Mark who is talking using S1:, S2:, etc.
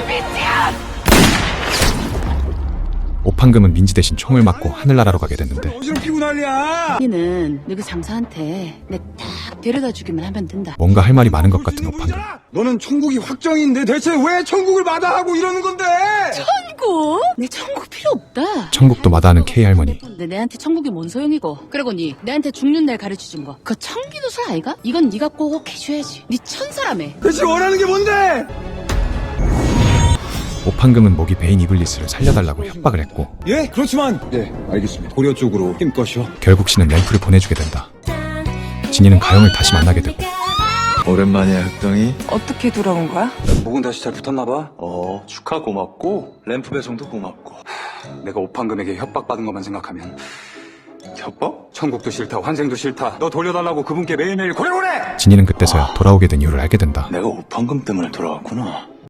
S1: 오판금은 민지 대신 총을 맞고 하늘나라로 가게 됐는데
S2: 어지럽히고 난리야.
S3: 니는 너그 장사한테 내 딱 데려다 주기만 하면 된다.
S1: 뭔가 할 말이 많은 것 같은 오판금.
S2: 너는 천국이 확정인데 대체 왜 천국을 마다하고 이러는 건데?
S3: 천국? 내 천국 필요 없다.
S1: 천국도 마다하는 K할머니.
S3: 근데 내한테 천국이 뭔 소용이고. 그리고 니 내한테 죽는 날 가르쳐준 거 그거 청기도술 아이가? 이건 니가 꼭 해줘야지. 니 천사라며.
S2: 대체 원하는 게 뭔데?
S1: 오판금은 모기 베인 이블리스를 살려달라고 협박을 했고
S2: 예, 그렇지만 네, 알겠습니다. 고려 쪽으로 힘껏이요.
S1: 결국 씨는 램프를 보내주게 된다. 진이는 가영을 다시 만나게 되고
S4: 오랜만이야 흑덩이.
S5: 어떻게 돌아온 거야?
S2: 목은 다시 잘 붙었나 봐.
S4: 축하 고맙고 램프 배송도 고맙고.
S2: 내가 오판금에게 협박받은 것만 생각하면
S4: 협박?
S2: 천국도 싫다, 환생도 싫다. 너 돌려달라고 그분께 매일매일 고래고래!
S1: 진이는 그때서야 돌아오게 된 이유를 알게 된다.
S4: 내가 오판금 때문에 돌아왔구나.